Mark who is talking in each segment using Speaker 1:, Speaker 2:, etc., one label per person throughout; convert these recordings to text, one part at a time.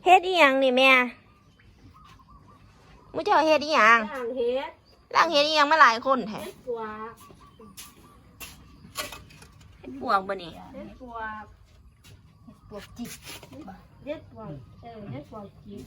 Speaker 1: เฮ็ดอีหยังนี่แม่มื้อเจ้าเฮ็ดอีหยัง
Speaker 2: ล่างเฮ็ด
Speaker 1: ล่างเฮ็ดอีหยังมาหลายคนแท้
Speaker 2: เฮ็ดปวก
Speaker 1: เฮ็ดปวกบ่นี่
Speaker 2: เฮ็ดปวก
Speaker 3: ปวกจิก
Speaker 2: เฮ็ดปวกเฮ็ดปวกจี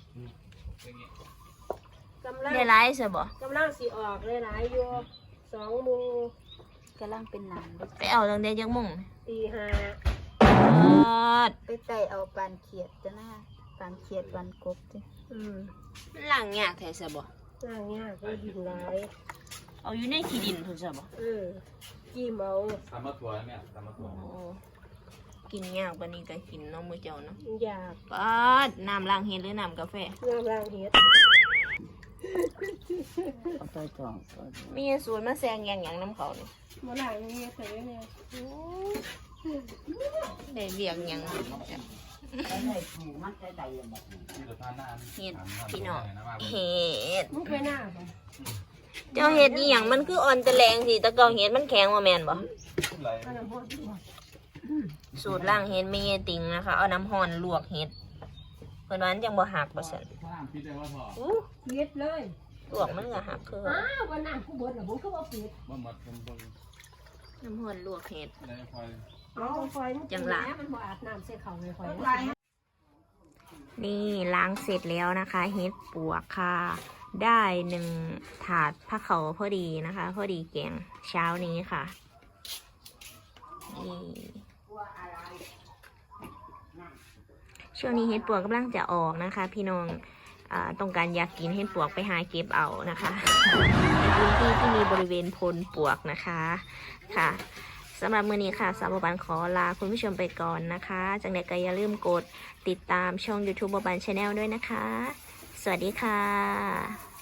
Speaker 2: กำลัง
Speaker 1: ได้หลายซะบ่
Speaker 2: กำลังสิออกหลายๆอยู่2 โมง
Speaker 3: กำลังเป็นหนามด้วย
Speaker 1: ไปเอาตั้งแต่จักโมง
Speaker 2: ตี 5
Speaker 3: ไปไต่เอาปานเขียดจ้ะนะปานเขียดปานกบจ้ะ
Speaker 1: มันล่างยากแท้ซะบ่
Speaker 2: ล่างยากก็ดินหลาย
Speaker 1: เอาอยู่ในขี้ดินพุ่นซะบ่
Speaker 2: จิ้มเอา
Speaker 4: ทำมะถั่วแม่ทำมะถั่ว
Speaker 1: โอ้กินยากปานนี้ก็กินเนาะมื้อเจ้าเนาะ
Speaker 2: อยาก
Speaker 1: ปาดน้ำล้างเฮ็ดหรือน้ำกาแฟ
Speaker 2: งามล่างเฮ็ด
Speaker 3: เอาไปจ่อง
Speaker 1: มีสูตรมาแซงอย่างหยังน้ำเขานี่
Speaker 2: บ่ล่างเฮ็ดใส่ไว้แน่
Speaker 1: ได้เรียกหยัง
Speaker 3: ได้ถูมันจะได้แบบ
Speaker 4: ที่เราทานหน้า
Speaker 1: เฮ็ดพี่น้องเฮ็ด
Speaker 2: มึงไปหน้าบ่
Speaker 1: เจ้าเฮ็ดอีหยังมันคืออ่อนตะแลงสิตะเกาเฮ็ดมันแข็งว่าแม่นบ่
Speaker 4: ไหล
Speaker 2: อันนั้นบ่ดีบ่
Speaker 1: สูตรล้างเฮ็ดไม่เยติงนะคะ เอาน้ำร้อนลวกเฮ็ดเพิ่นว่ามันจังบ่หักบ่ซั่น
Speaker 4: ข้างพิษได้ว่าพอ
Speaker 2: เฮ็ดเลย
Speaker 1: ลวกมันก็หักคือ
Speaker 2: อ้าววันนั้นกูเบิดน่ะบ่คือบ่ปิด
Speaker 4: บ่หมดคนเบิ่ง
Speaker 1: น้ำร้อนลวกเฮ็ด
Speaker 4: ในคอย
Speaker 2: เอาไฟมัน
Speaker 1: จังหละ
Speaker 2: มันบ่อาบน้ำใส่เขาเลยไฟ
Speaker 1: นี่ล้างเสร็จแล้วนะคะเฮ็ดปวกค่ะ ได้1 ถาดผ้าเขาวพอดีนะคะ พอดีแกงเช้านี้ค่ะนี่ช่วงนี้เฮ็ดปวกกำลังจะออกนะคะ พี่น้องต้องการอยากกินเฮ็ดปวกไปหาเก็บเอานะคะในพื้นที่ที่มีบริเวณพลปวกนะคะค่ะสำหรับมื้อนี้ค่ะสาวบันขอลาคุณผู้ชมไปก่อนนะคะจังใดก็อย่าลืมกดติดตามช่อง YouTube บัน Channel ด้วยนะคะ สวัสดีค่ะ